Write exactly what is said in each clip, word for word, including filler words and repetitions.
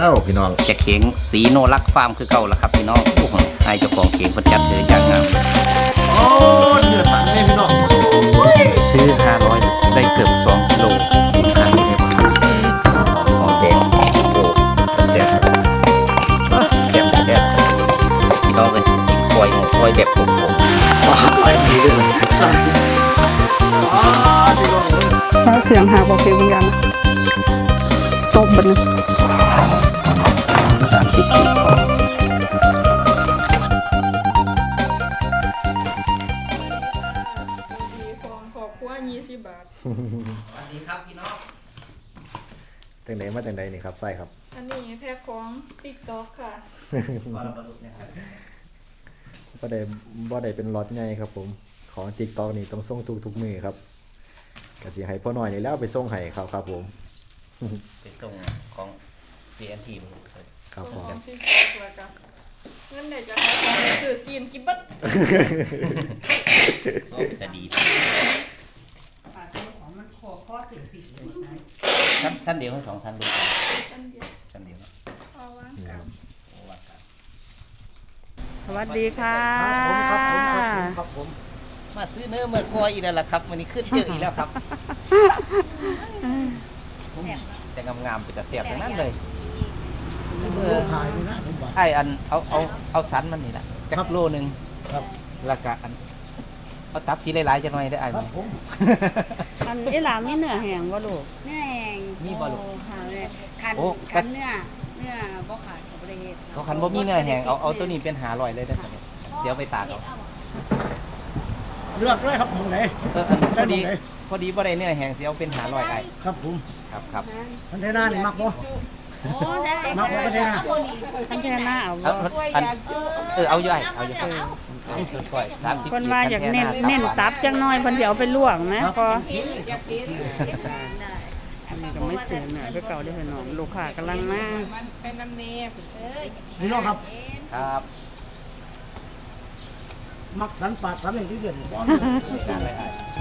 แล้วพี่น้องจะเข่งสีโนรักฟาร์มคือเก่าละครับพี่น้องไอ้เจ้าของเข่งประจัดเลยอย่างงามโอ้เนื้อสันนี่พี่น้องซื้อห้าร้อยได้เกือบสองกิโลคุณค่าไม่ได้หอมแดงโอ้แซ่บแซ่บแซ่บพี่น้องเลยกินกล้วยกล้วยแบบผมผมแซ่บดีเลยแซ่บอ๋อพี่น้องถ้าเสียงหาบอกเสียงวิญญาณตบบันสามสิบปีขอบคุณยี่สิบบาทสวัสดีครับพี่น้องจังไหนมาจังไหนนี่ครับใส่ครับอันนี้แพ็คของติ๊กต็อกค่ะบ่ได้บ่ได้เป็นล็อตใหญ่ครับผมของติ๊กต็อกนี่ต้องส่งทุกทุกมือครับกะสิให้พ่อหน่อยนี่แล้วไปส่งให้ครับครับผมไปส่งของ ดี เอ็น ทีครับผมของติ๊กต็อกแล้วกันเงินไหนจะขายของซื้อซีนกิบบัตก็จะดีชั้นชั้นเดียวให้สองชั้นดูชั้นเดียวชั้นเดียวเอาวะสวัสดีค่ะครับผมครับผมครับผมมาซื้อเนื้อเมื่อกอยอีกแล้วล่ะครับวันนี้ขึ้นเยอะอีกแล้วครับแต่งามๆเป็นแต่เสียบอย่างนั้นเลยไอ้อันเอาเอาเอาสันมันนี่แหละจักโลนึงครับแล้วก็อันเอาตับสีหลายๆจะหน่อยได้ไอ้ไหมอันนี้หลามีเนื้อแห้งบ่ลูกเนื้อแห้งมีบ่ลูกค่ะเลยคันคันเนื้อเนื้อบ่ขาดกับบริเวณเขาคันบ่มีเนื้อแห้งเอาเอาตัวนี้เป็นหาลอยเลยได้ไหมเดี๋ยวไปตากเอาเลือกเลยครับผมไหนเออพอดีพอดีบ่ได้เนื้อแห้งสิเอาเป็นหาลอยไอ้ครับผมครับครับพันเทน่านี่มักบ่โอ้ได้มักบ่พันเทน่าพันเทน่าเอาบ่เออเอาอยู่ไอ้เอาอยู่ค่อยสามสิบคนว่าอยากเน้นเน้นตับจังน้อยเพิ่นสิเอาไปลวกนะพออันนี้ก็ไม่เสียหน่อยไปเก่าได้พี่น้องลูกค้ากำลังมาเป็นน้ำเนยพี่น้องครับครับมักสันปาดสันอย่างที่เดือดร้อนเลย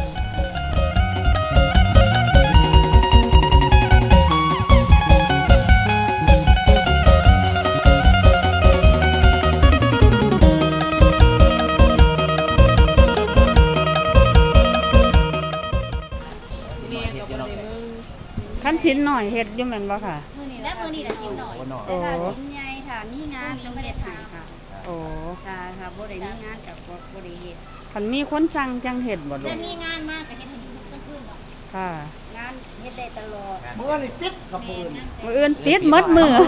ขั้นชิ้นหน่อยเฮ็ดอยู่แม่นบ่ค่ะมื้อนี้แล้วมื้อนี้ละชิ้นหน่อยแต่ถ้าชิ้นใหญ่ถ้ามีงานจังเฮ็ดให้ค่ะโอ้ถ้าถ้าบ่ได้มีงานก็บ่ได้เฮ็ดคันมีคนสั่งจังเฮ็ดบ่ลูกถ้ามีงานมากก็เฮ็ดให้ทุกคืนบ่ค่ะงานเฮ็ดได้ตลอดมื้อนี่ปิดกับมื้อมื้ออื่นปิดหมดมื้อ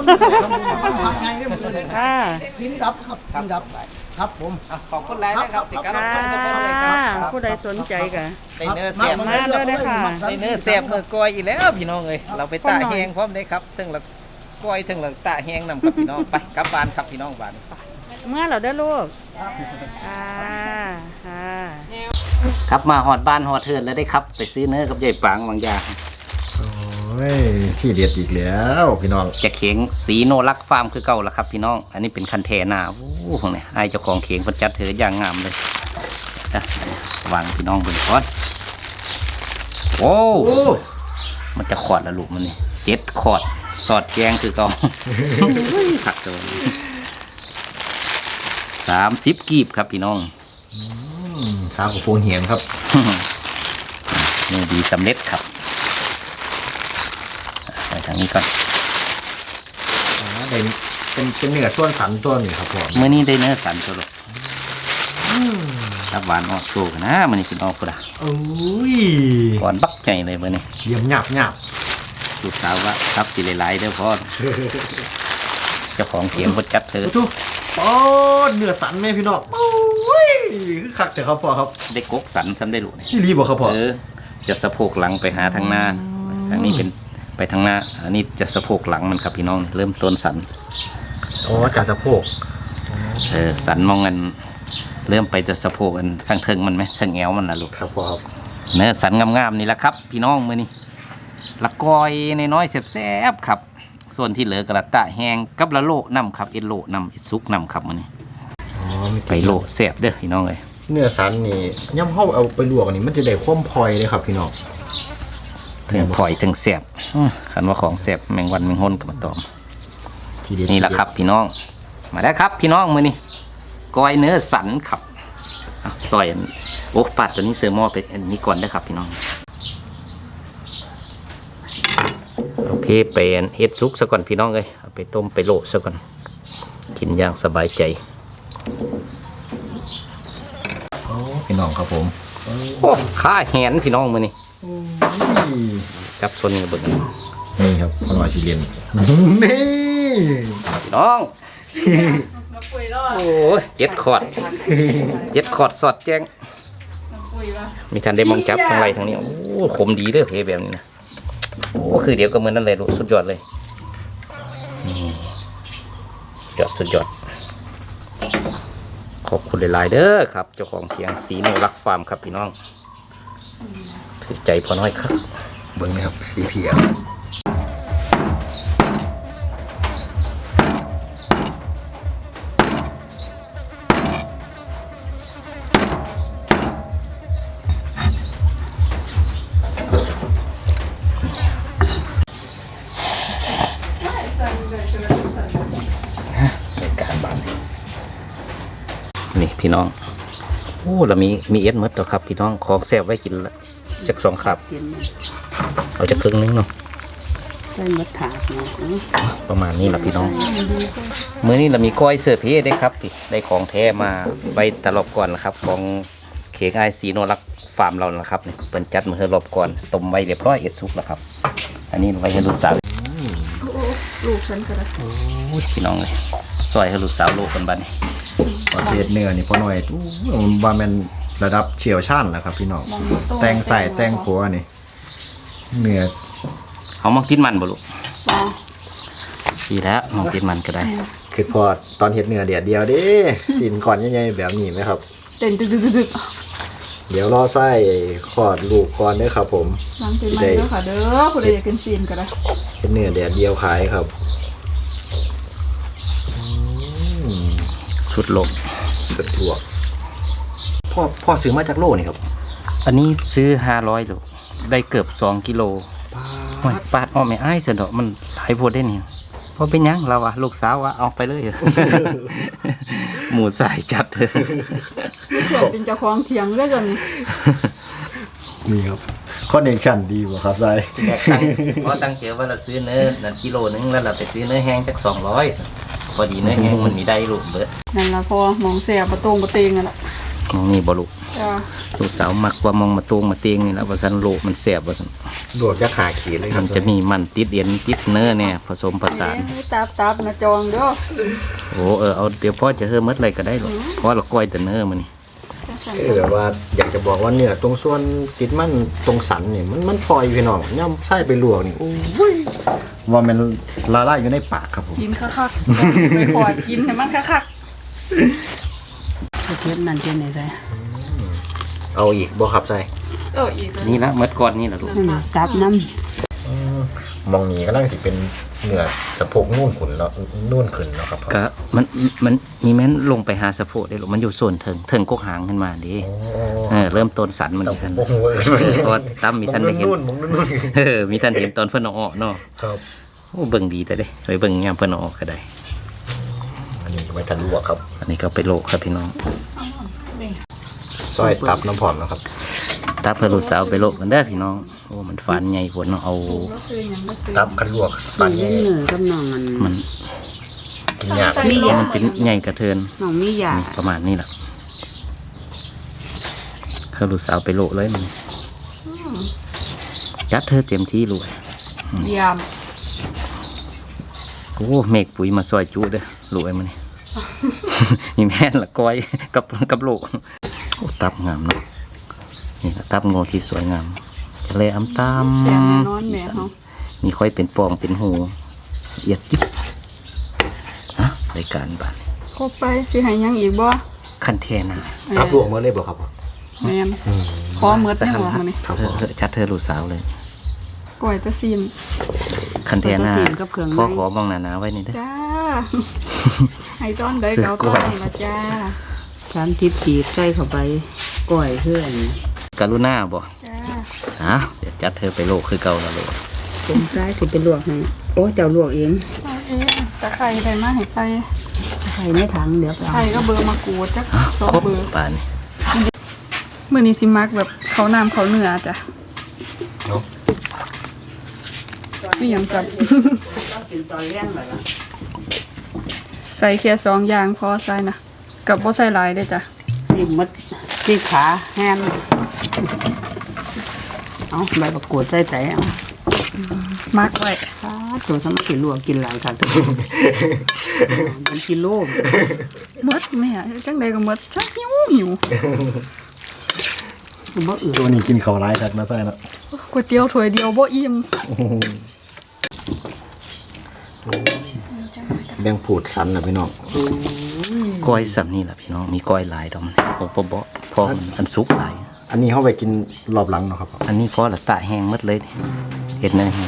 ค่ะสินดับครับสินดับครับผมขอบคุณหลายนะครับสิครับผู้ใดสนใจก็ได้เนื้อเสียบมาเลยนะค่ะได้เนื้อเสียบเมื่อกอยอีกแล้วพี่น้องเอ้ยเราไปตาแห้งพร้อมได้ครับถึงละกอยถึงละตาแห้งนำครับพี่น้องไปกลับบ้านครับพี่น้องบ้านเมื่อเราได้ลูกค่ะค่ะครับมาหอดบ้านหอดเทินแล้วได้ครับไปซื้อเนื้อกับยายปางบางอย่างโอ้ยที่เด็ดอีกแล้วพี่น้องจะเข่งสีโนรักฟาร์มคือเก่าละครับพี่น้องอันนี้เป็นคันเทน่าโอ้โหเนี่ยไอ้เจ้าของเข่งประจัดเธออย่างงามเลยนะวางพี่น้องบนก้อนโอ้มันจะขอดละลูกมันนี่เจ็ดขอดสอดแกงคือเก่าผักตัวสามสิบกีบครับพี่น้องสามกับโพงเหียนครับนี่ดีสำเร็จครับไปทางนี้ก่อนเป็นเป็นเป็นเนื้อส่วนสันตัวนี้ครับผมเมื่อนี้ได้เนื้อสันตัวลูกรับหวานออกโชว์นะมันนี่คือออกกูด่ะโอ้ยก่อนบักใจเลยเมื่อนี้เยี่ยมหยาบหยาบลูกสาวว่าครับสิหลายๆเด้อพ่อเจ้าของเขียงวัดจัดเธอโอ้เนื้อสันไหมพี่น้องโอ้ยคือคักแต่ครับพ่อครับได้กกสันซ้ำได้ลูกที่รีบอกครับพ่อเออจะสะโพกหลังไปหาทางหน้าทางนี้เป็นไปทางหน้าอันนี้จะสะโพกหลังมันครับพี่น้องเริ่มต้นสันอ๋อจากสะโพกเออสันมองกันเริ่มไปจะสะโพกกันข้างเทิงมันไหมเทิงแอวมันนะลูกครับพ่อครับเนื้อสันงามๆนี่แหละครับพี่น้องมือนี้ละกอยในน้อยแซ่บๆครับส่วนที่เหลือกระตะแห้งกับละโลนำครับเอ็ดโลนำเอ็ดซุกนำครับมือนี้ไปโลแซ่บเด้อพี่น้องเลยเนื้อสันนี่ย่ำเข้าเอาไปลวกนี่มันจะได้ความพลอยเลยครับพี่น้องถึงพลอยถึงแซ่บคันว่าของแซ่บแมงวันแมงห้นกับมาตอมทีเด็ดนี่แหละครับพี่น้องมาแล้วครับพี่น้องมือนี่ก้อยเนื้อสันครับอ่ะซอยอันโอ้ปัดตัวนี้เซอร์มอไปอันนี้ก่อนได้ครับพี่น้องเอาเพเป็นเฮ็ดซุกซะก่อนพี่น้องเลยเอาไปต้มไปโลซะก่อนกินอย่างสบายใจโอ้พี่น้องครับผมโอ้ข้าแหนพี่น้องมือนี่จับชนกันเบิดนี่ครับพอหน่อยสิเรียนนี่พี่น้องโอ้ยเจ็ดขอดเจ็ดขอดสอดแจ้งมีทันได้มองจับทางไรทางนี้โอ้ขมดีเด้อเพแบบนี้นะโอ้คือเดี๋ยวก็เหมือนนั่นเลยลูกสุดยอดเลยยอดสุดยอดขอบคุณหลายๆเด้อครับเจ้าของเขียงสีโนรักฟาร์มครับพี่น้องถือใจพอน้อยครับเบิ้งนะครับสีเพียในการบ้านนี่พี่น้องโอ้เรามีมีเอสมดแล้วครับพี่น้องของแซ่บไว้กินละสักสองครับกินเอาจะครึ่งนึงเนาะได้มดถาดเนาะประมาณนี้แหละพี่น้องมื้อนี้เรามีก้อยเสิร์ฟเพได้ครับที่ได้ของแท้มาไว้ตลบก่อนนะครับของเค้กไอซีโนรักฟาร์มเรานะครับนี่เปิ้นจัดมาให้รอบก่อนต้มไว้เรียบร้อยเอ็ดซุกแล้วครับอันนี้ไว้ให้ลูกสาวลูกฉันก็ได้โอ้ยพี่น้องเลยซอยให้ลูกสาวลูกกันบ้านนี่ประเภทเนื้อนี่พอหน่อยอู้ว่าแมันระดับเชี่ยวชาญนะครับพี่น้องแต่งใส่แต่งผัวนี่เนื้อเขามองกินมันบ่ลูกว้าดีแล้วมองกินมันก็ได้คือพอตอนเห็ดเนื้อเดียดเดียวเด้สินก่อนใหญ่ๆแบบนี้ไหมครับเต้นตึกตึกตึกตึกเดี๋ยวรอไส้ขอดลูกก่อนเด้อครับผมล้างตีมันเด้อค่ะเด้อผู้ใดอยากกินซีนก็ได้เห็ดเนื้อเดียดเดียวขายครับอืมสุดโลกสุดลวกพ่อพ่อซื้อมาจากโลนี่ครับอันนี้ซื้อห้าร้อยลูกได้เกือบสองกิโลโอ้ยปาดอ้อไม่อ้ายเสยดอกมันหลายโพดได้เนี่ยพอเป็นหยังเราอะลูกสาวอะเอาไปเลย หมูสายจัดเถอะเพื่อนเป็นเจ้าของเถียงได้กันมีครับคอนเนคชั่นดีบ่ครับไส้แบกตังเพราะตั้งเจอว่าเราซื้อเนื้อนั่นกิโลนึงแล้วเราไปซื้อเนื้อแห้งจากสองร้อยพอดีเนื้อแห้งมันมีได้ลูกเบิดนั่นละพอมองเสียประตงประเตงนั่นแหละมองนี่บ่ลูกจ้าลูกสาวมักว่ามองมาตวงมาเตียงนี่แหละว่าสันโลกมันแสบว่าสันลวกจะหาขีดเลยครัมับนจะมีมันติดเอ็นติดเนื้อเนี่ยผสมผสานนี่ตับตับนะจองเด้อโอ้เออเอาเดี๋ยวพ่อจะเพิ่มมัดอะไรก็ได้หรอกเพราะเราก้อยแต่เนื้อมันนี่เออแบบว่าอยากจะบอกว่าเนี่ยตรงส่วนติดมันตรงสันเนี่ยมันมันพลอยพี่น้องย่ำไส้ไปลวกนี่โอ้ยว่ามันละลายอยู่ในปากครับผมกินคักๆไม่พอกินให้มันคักๆเทียบนั่นเทียบไหนได้เอาอีกบ่ครับไส้เอออีกนี่ละมัดก่อนนี่แหละลูกนั่นตับน้มองนี้ก็นั่งสิเป็นเนื้อสะโพกนุ่นขุนแล้วนุ่นขึ้นเนาะครับก็มันมันมีแม้นลงไปหาสะโพกได้หรอกมันอยู่ส่วนเถิงเถิงกกหางขึ้นมาดิโอ้เออเริ่มต้นสันมันแต่อีกผทัมนบ่ฮู้ว่าเอ้ยเพราะว่าตั้มมีท่านได้เห็นนุ่นมองนุ่นเออมีท่านเห็นตอนเพิ่นเอาออกเนาะครับโอ้เบิ่งดีแต่เด้ไปเบิ่งยามเพิ่นเอาออกก็ได้อันนี้ก็ไม่ทันลวกครับอันนี้ก็ไปโลกครับพี่น้องซอยตับน้ำผอมนะครับตาเพื่อลูกสาวไปโลกกันเด้อพี่น้องโอ้มันฝันใหญ่ผลเนาะเอาำก็คือยังก็คือตับคันลวกมัปันนนี้เหนื่อยกับน้องมันมันกินยากมียามันเป็นใหญ่กระเทินน้องมียาประมาณนี้แหละเพื่อลูกสาวไปโลกเลยมันจัดเธอเต็มที่รวยยามโอ้เมฆปุ๋ยมาซอยจุเด้อรวยมันนี่ นี่แม่นละก้อยกับกับโลกโอ้ตับงามเนาะนี่ละตับงอที่สวยงามทะเลอ้ำตามแซ่บแน่นอนแม่เขามีค่อยเป็นปองเป็นหูละเอียดจิ๊บฮะรายการบ้านครบไปสิให้ยังอีกบ่คันเทนะตับลวกมาเลยบ่ครับแม่นขอเมือดยังบ่มื้อนี้ครับเอผอมเออชัดเธอลูกสาวเลยก้อยตะซีนคันเทนะปกติกับเครื่องในพ่อขอบ้องหนาๆไว้นี่เด้อจ้า ให้ต้อนใดซื้อเกากล้ต้วยอนละจ้าทำทิพย์จีบใส่เข้าไปก้อยเพื่อนกรุณาบ่จ้าฮะเดี๋ยวจัดเธอไปโลกคือเก่าแล้วโลกผมซ้ายสิไปลวกให้โอ้เจ้าลวกเองเอาเองตะไคร้ไปมาให้ไปใส่ในถังเดี๋ยวไปไข่ก็เบอร์มากรูดจ้ะสองครบเบอร์ป่านนี้มื้อนี้สิมักแบบเขาน้ำเขาเนื้อจ้ะมีหยังกับกินตอนเลี้ยงเลยใส่แค่สองอย่างพอใส่นะกับบ่ใส่หลายเด้อจ้ะนี่มัดที่ขาแห้งเอาใบประกวดใส่ใจเอามักไว้ฟ้าตัวทำกินลวกกินหลายค่ะตัวเป็นกิโลหมดแม่จังใดก็หมดชักหิวหิวคือบ่อื่นตัวนี้กินข้าวร้ายครับนะไส้แล้วก๋วยเตี๋ยวถ้วยเดียวบ่อิ่มแบ่งผูดสันนะพี่น้องก้อยสับนี่แหละพี่น้องมีก้อยหลายดอกพอพอบ่พอมันอันสุกหลายอันนี้เข้าไปกินรอบหลังเนาะครับอันนี้พอละตะแห้งหมดเลยนี่เห็ดเนื้อแห้ง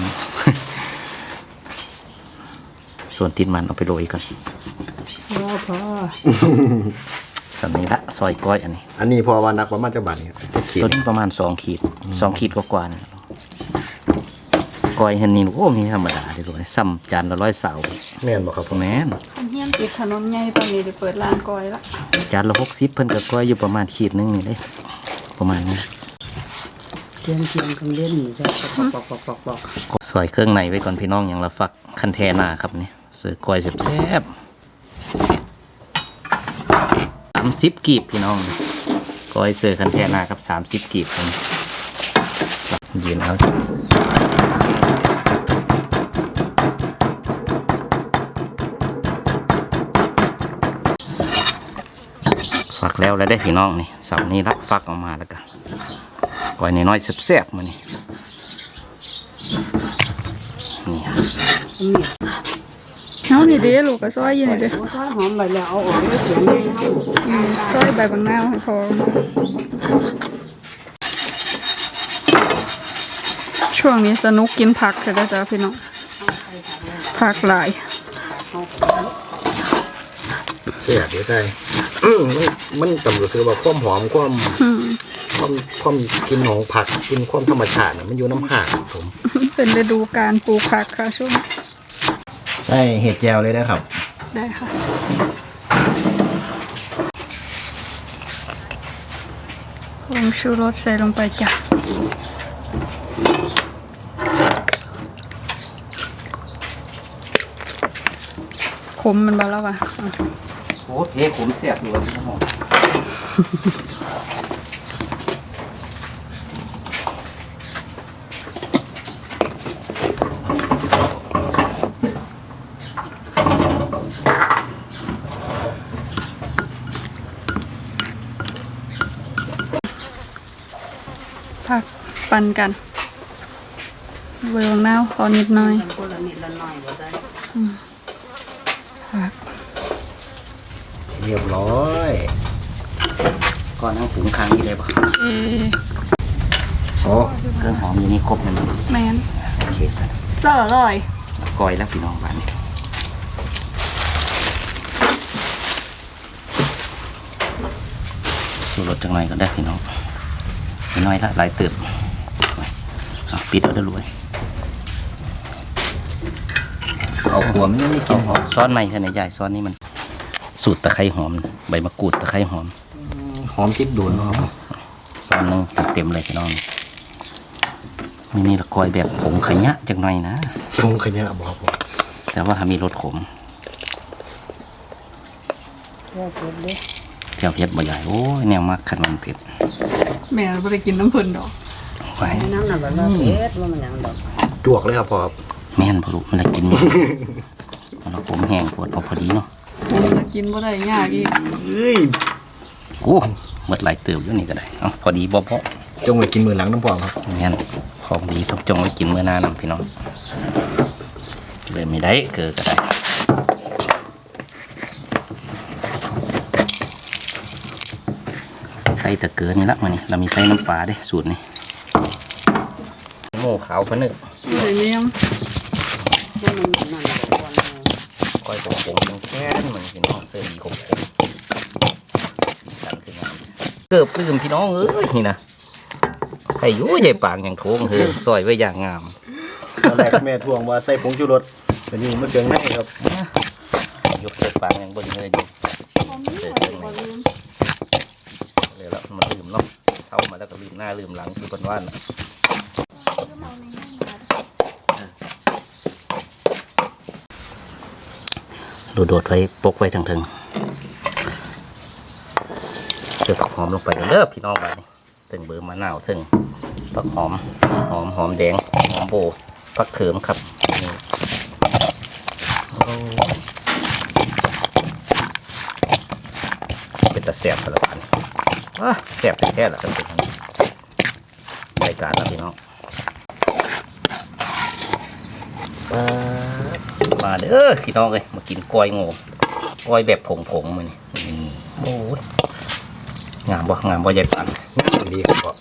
ส่วนติดมันเอาไปโรยก่อนพ่อพ่อสันนี้ละซอยก้อยอันนี้อันนี้พอว่านักประมาณจะบาทเนี่ยขีดตัวนี้ประมาณสองขีดสองขีดกว่าๆนะครับก้อยเห็นนี่โอ้มีธรรมดาเลยด้วยซ้ำจานละร้อยเสาแม่นบ่ครับผมแม่นเฮียนติดถนนใหญ่ตอนนี้ได้เปิดร้านก้อยละจานละหกสิบเพิ่นก็ก้อยอยู่ประมาณขีดหนึงนี่เลยประมาณนี้เทียนเทียนกันเล่นนี่จ้ะปอกปอกปอกปอกซอยเครื่องในไว้ก่อนพี่น้องอย่างละฟักคันแทนาครับนี่เสือก้อยแซ่บสามสิบกีบพี่น้องก้อยเสือคันแทนาครับสามสิบกีบคนยืนเอาฟักแล้วแล้วได้พี่น้องนี่เสาร์นี้รับฟักออกมาแล้วกันก้อยน้อยๆแซ่บๆมานี่นี่เฮานี่เด้ลูกก็ซอยอยู่นี่เด้อซอยหอมไปแล้วเอาออกไม่เสียงเลยเอาอืมซอยใบบังนาวให้พอช่วงนี้สนุกกินผักเถอะจ้ะพี่น้องผักหลายเสียเดี๋ยวใส่อืมมันมันจำก็คือว่าความหอมความอืมความความกินของผักกินความธรรมชาติน่ะมันอยู่น้ำผักครับผมเป็นฤดูการปลูกผักค่ะช่วงใส่เห็ดแจวเลยนะครับได้ค่ะผงชูรสใส่ลงไปจ้ะขมมันบาแล้วว่ะอ่ะโอ้เพขมแซ่บอยู่วันนี้ครับผักปั่นกันเวลงนาวพอนิดหน่อยคนละนิดละหน่อยก็ได้ผักเรียบร้อยก่อนเอาถุงค้างนี่เลยป่ะเอโอ้เครื่องหอมอยู่นี่ครบเลยมั้ยแมนโอเคสันเสิร์ฟเลยก้อยแล้วพี่น้องบ้านนี้สูรสจังไรก็ได้พี่น้องน้อยละหลายเติบเอาปิดเอาได้รวยเอาหัวมันไม่กินหอมซ้อนใหม่ขนาดใหญ่ซ้อนนี่มันสูตรตะไคร้หอมใบมะกรูดตะไคร้หอมหอมจิ๊บโดนเนาะครับซ้อนหนึงเต็มๆเลยพี่น้องนี่นี่ละก้อยแบบผงขยะจังหน่อยนะชงขยะบอกผมแต่ว่ามีรสขมเพื่อเก็บเด้เจ้าเผ็ดบ่ใหญ่โอ้ยแนวมากขันมันเผ็ดแม่ไม่ได้กินน้ำผึ้งดอกไว้น้ำหนักแบบว่าเผ็ดว่ามันยังดอกจวกเลยครับพ่อครับแม่นพอรู้มันละกินหมดมันละผมแห้งปวดเอาพอดีเนาะผมจะกินบ่ได้ยากอีกเอ้ยโอ้หมดหลายเติบอยู่นี่ก็ได้เอาพอดีบ่พอจงไว้กินมือหลังน้ำพองครับแม่นของดีต้องจงไว้กินเมื่อหน้านำพี่น้องเลยไม่ได้เกิดก็ได้ใส่ตะเกียบนี่ละมานี่เรามีใส่น้ำปลาเด้สูตรนี่หมูขาวพะนึกเดี๋ยวนี้ยังว่ามันมันมันก่อนก้อยผมผมยังแค่นเหมือนพี่น้องเสื้อดีผมผมสั่นขึ้นมาเกือบลืมพี่น้องเอ้ยนี่นะใครอยู่ใหญ่ปางอย่างโถงเธอซอยไว้อย่างงามตอนแรกแม่ทวงว่าใส่ผงชูรสแต่นี่มันเกินให้ครับยกเสื้อฟางยังเบิ่งเลยอยู่ผมนี่หมดเลยบ่ลืมเลยแล้วมันลืมเนาะเข้ามาแล้วก็ลืมหน้าลืมหลังคือเพิ่นว่าน่ะก็เอาในนั้นมาดูโดดไว้ปกไว้ทั้งถึงเจอผักหอมลงไปเด้อพี่น้องบ้านนี้ถึงเบอร์มะนาวถึงผักหอมหอมหอมแดงหอมโบผักเขิมครับนี่โอ้เป็นตะแสบไปแล้วกันว้าแสบแท้ๆละครับเป็นรายการแล้วพี่น้องมาเด้อพี่น้องเลยมากินกล้อยงูกล้อยแบบผงๆมือนี่โอ้ยงามบ่งามบ่ใหญ่ปานดีครับ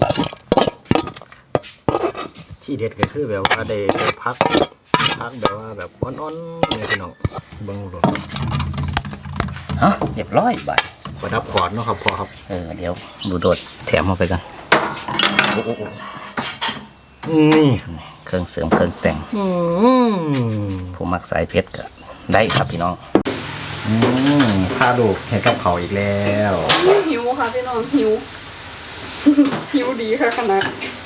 ที่เด็ดก็คือแบบว่าได้ได้พักพักแบบว่าแบบอ่อนๆเนี่ยพี่น้องเบิ่งดูฮะเรียบร้อยบาดประดับก่อนเนาะครับพ่อครับเออเดี๋ยวดูโดดแถมเข้าไปกันโอ้โหนี่เครื่องเสริมเครื่องแต่งอืมผู้มักสายเพชรก็ได้ครับพี่น้องอืมพาลูกเห็นกับเขาอีกแล้วหิวค่ะพี่น้องหิว หิวดีค่ะขนาด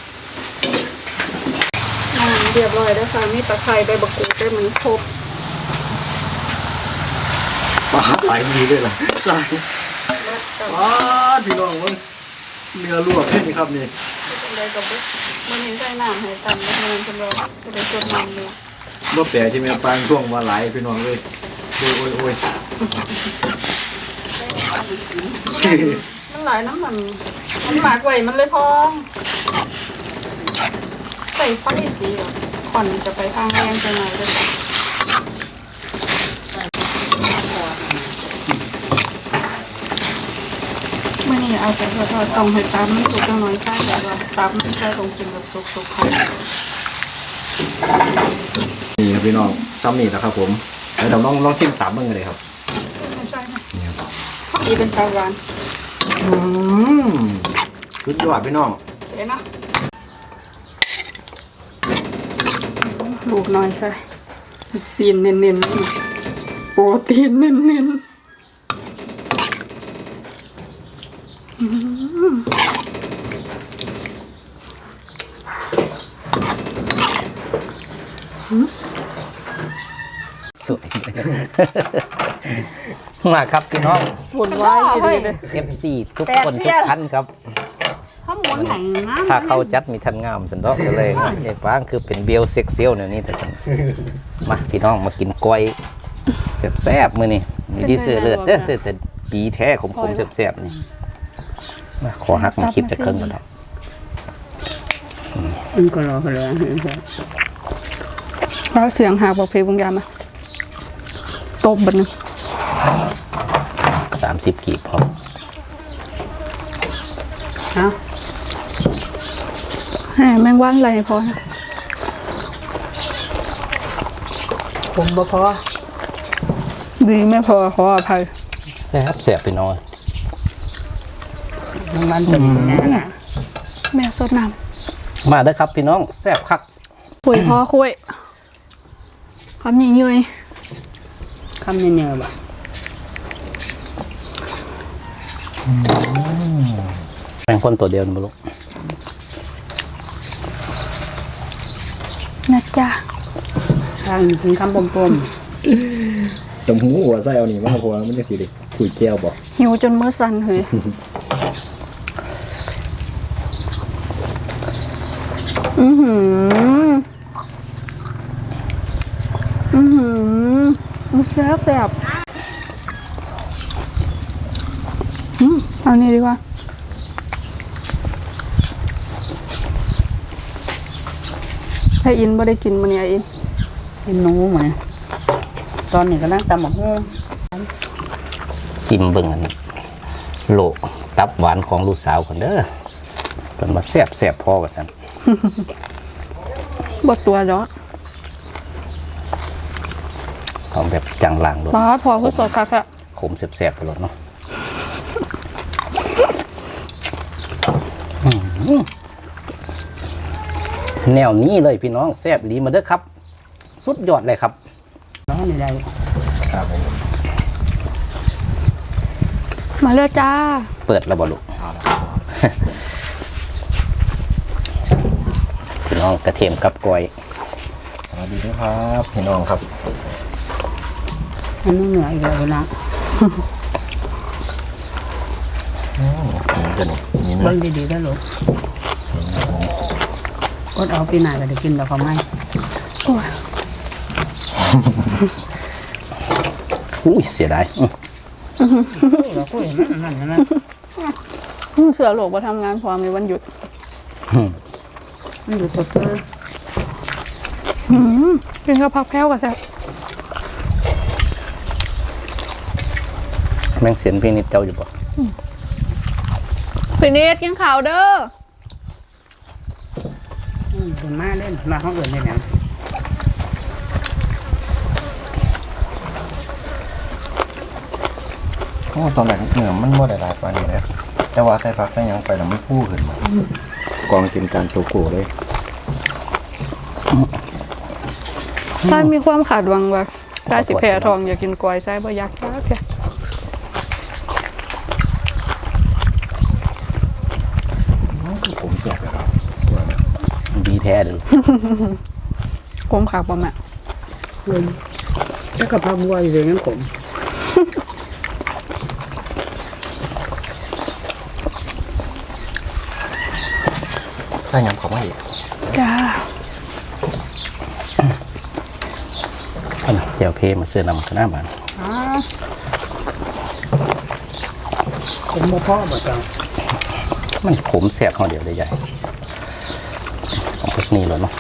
อ่าเรียบร้อยแล้วค่ะมีตะไคร้ใบบักกูดได้มันครบปลาไหลดีด้วยล่ะใช่อ๋อพี่น้องเว้ยเนื้อลวกเพ่นครับนี่เป็นไรกับมันเห็นใส่น้ำให้ตำแล้วมันเป็นเราจะไปจดมันเลยบ่แปลที่แม่ปางช่วงว่าไหลพี่น้องเลยโอ้ยโอ้ยโอ้ยมันหลายน้ำมันมันหมากไว้มันเลยพองใส่ไฟสีแบบขอนจะไปทางแรงจะหน่อยเลยเมื่อนี้เอาแต่ทอดๆต้องให้ตำมันสุกจังหน่อยใช่แบบว่าตำมันใช่ตรงกินแบบสุกๆค่ะนี่ครับพี่น้องซ้ำนี่แล้วครับผมแล้วเราลองลองชิมตามเบิ่งกันเลยครับไม่ใช่ค่ะพอดีเป็นตาหวานอืมสุดยอดพี่น้องเดี๋ยวนะลูกน้อยใส่ซีนเน้นๆโปรตีนเน้นๆอืมสวย มาครับพี่น้องปวดไว้เลยเอฟซีทุกคนทุกท่านครับข้าวหมูแห้งนะถ้าเข้าจัดมีทันงามสันดอกก็เลยไอ้ป้างคือเป็นเบลเซ็กเซียลเนี่ยนี่แต่ฉันมาพี่น้องมากินกล้วยแซ่บๆมื้อนี้มีดีเสือเลือดเด้อเสือแต่ปีแท้ขมๆแซ่บๆนี่มาขอหักมาคลิปจะเครื่องก่อนครับมันก็รอกันเลยเพราะเสียงหากบอกเพลงบางอย่างนะตบบันนึงสามสิบกีบพอฮะแหมแมงว่านอะไรพอนะผมบ่พอดีไม่พอขออภัยแซ่บแซ่บพี่น้องน้ำมันตึมแน่นะแม่สดน้มาเด้อครับพี่น้องแซ่บคักำคุยพ่อคุยคำยิงยุยคำเนียวๆบ่แมงพ่นตัวเดียวนี่บ่ลูกนะจ๊ะทางถึงคำปมตำหูหัวไส้เอานี่มาเพราะว่ามันจะสีเด็กคุยแก้วบอกหิวจนมือสั่นเฮ้ยอือหืออือหือมันแซ่บแซ่บอืมเอานี่ดีกว่าถ้าอินไม่ได้กินมันเนี่ยอินๆเป็นหนูเหมือนตอนนี้ก็นั่งตำหมกฮู้ซิมเบิ่งอันโลตับหวานของลูกสาวคนเด้อเพิ่นมาแซ่บแซ่บพอกับฉันบดตัวเนาะของแบบจังหลังด้วยป้าพอคือสดค่ะค่ะขมแซ่บๆไปหมดเนาะอื้อหือแนวนี้เลยพี่น้องแซ่บดีมาเด้อครับ สุดยอดเลยครับร้อนนี่ได้ครับผมมาเลยจ้าเปิดแล้วบ่ลูก พี่น้องกระเทียมกับกล้วยสวัสดีครับพี่น้องครับอันนี้เหนื่อยอีกแล้วนะอืมนี่กันนี่เบิ่นะงดีๆได้หรอก็เอาปีหน้าก็ได้กินแบบเขาไม่โอ้ยอุ้ยเสียดายอื้อเราคุยนั่นนั่นนั่นเสือโหลกมาทำงานพอมีวันหยุดมันอยู่ตัวเตอร์หืมกินกับผักแพ้วกับแซ่บแม่งเสียนพี่นิดเจ้าอยู่บ่ฟินิชกินข่าวเด้อเป็นมาเล่นมาห้องอื่นเลยนะโอ้ตอนแรกเนื้อมันบ่ได้หลายปานนี้นะแต่ว่าใส่ผักใส่หยังไปแล้วมันฟูขึ้นมากองกินการโตโก้เลยใช่มีความขาดหวังว่าใช่สิแพ้ทองอยากกินกล้วยใช่บ่อยากจ้าแค่คือผมแจกเลยครับดีแท้เด้อคมขาดบ่แม่ถ้ากับพาบัวอยู่อย่างนั้นผมใส่หยังเข้ามาอีกจ้าเอาน่ะแจวเพมาเสื้อนำคณะบ้านผมบ่พ่อบ่จังมันขมแสบเขาเดียวเลยใหญ่ของพวกนี้เลยเนาะ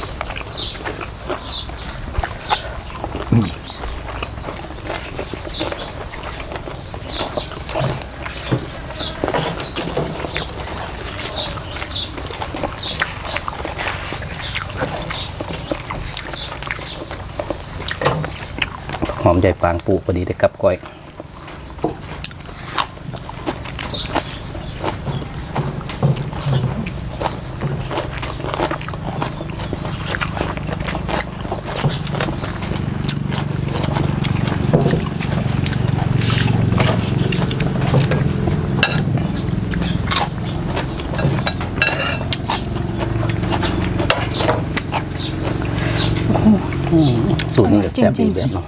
หอมใหญ่ปางปูพอดีได้กับก้อยสูตรนี้ก็แซ่บอีกแบบเนาะ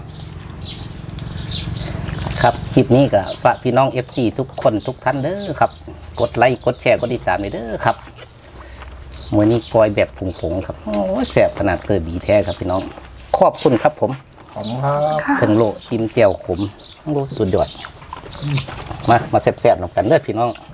ครับคลิปนี้ก็ฝากพี่น้อง เอฟ ซี ทุกคนทุกท่านเด้อครับกดไลค์กดแชร์กดติดตามเลยเด้อครับมื้อนี้กอยแบบผงๆครับโอ้แซ่บขนาดเซอร์บีแท้ครับพี่น้องขอบคุณครับผมขอบคุณครับถึงโลจิ้มเจียวขมโอ้สุดยอดมามาแซ่บๆนำกันเด้อพี่น้อง